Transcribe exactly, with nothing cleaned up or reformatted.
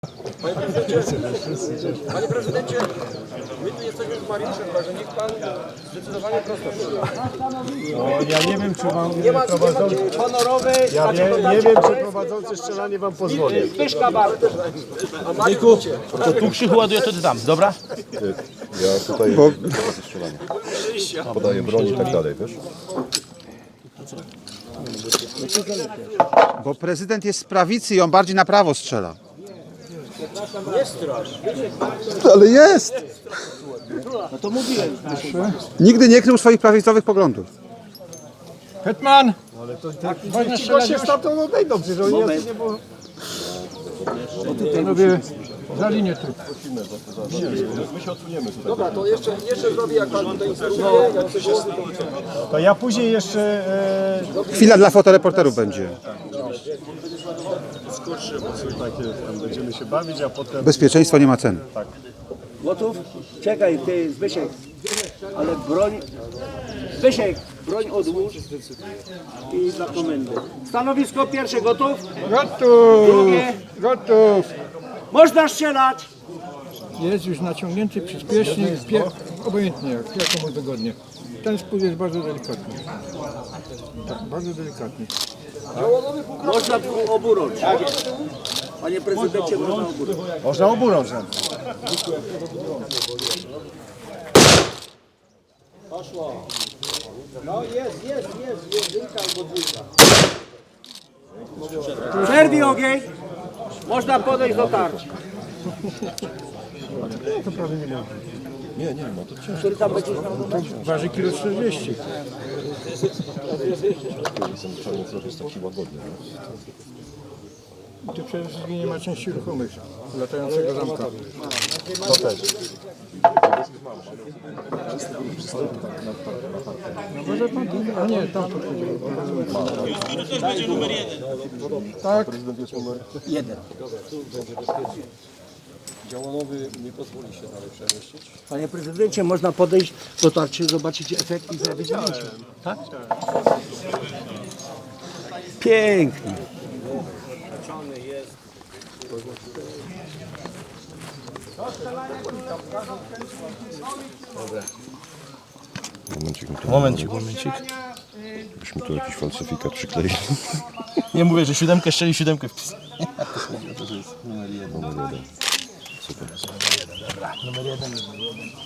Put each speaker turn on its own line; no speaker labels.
Panie prezydencie, panie prezydencie, my tu jesteśmy z Mariuszem, że niech pan zdecydowanie prosto przyjdzie.
No, ja nie wiem, czy wam
Nie ma,
prowadzący...
nie ma honorowy,
Ja nie, nie wiem, czy prowadzący strzelanie wam pozwoli.
Pyszka bardzo. A Mariusz,
To tu Krzychu ładuje, to ty tam, dobra?
Ja tutaj Bo... strzelanie. Podaję broń i tak dalej, wiesz?
Bo prezydent jest z prawicy i on bardziej na prawo strzela.
nie strasz.
Ale jest!
No to mówiłem.
Nigdy nie krył swoich prawicowych poglądów.
Hetman! Ale to tak, ci goście stamtąd odejdą, przecież oni jacy nie było... Panowie, za linię tu.
My się odsuniemy tutaj.
Dobra, to jeszcze, jeszcze zrobię, jak pan tutaj instruuje, jak coś jest.
To ja później jeszcze... E...
Chwila dla fotoreporterów będzie.
Takie, tam będziemy się bawić, a potem...
Bezpieczeństwo nie ma ceny.
Gotów? Czekaj, ty Zbyszek, ale broń, Zbyszek, broń odłóż i dla komendy. Stanowisko pierwsze, gotów?
Gotów!
Drugie,
Gotów!
można strzelać.
Jest już naciągnięty przyspiesznik, pie- obojętnie jak, jak komu wygodnie. Ten spód jest bardzo delikatny. Tak, bardzo delikatny.
Można oburącz. Panie prezydencie, można oburącz.
Można oburącz.
Przerwij ogień. Można podejść do tarczy.
Nie, nie, no to ciężko.
Który tam będzie znał?
Waży kilo czterdzieści.
Jestem czarny, to jest taki łagodny.
I tu przede wszystkim nie ma części ruchomych latającego zamka.
To też.
No może pan... A nie, tam to będzie numer jeden. Tak.
Prezydent jest numer...
Jeden.
Działanowy nie pozwoli się dalej przemieścić.
Panie prezydencie, można podejść do tarczy, zobaczyć efekt i zrobić zdjęcie. Tak? Pięknie.
Momencik, to
Momencik, momencik.
byśmy tu jakiś falsyfikat przykleili.
Nie mówię, że siódemkę strzeli, siódemkę wpis.
Numer jeden. Super.
Numer jeden, numer jeden.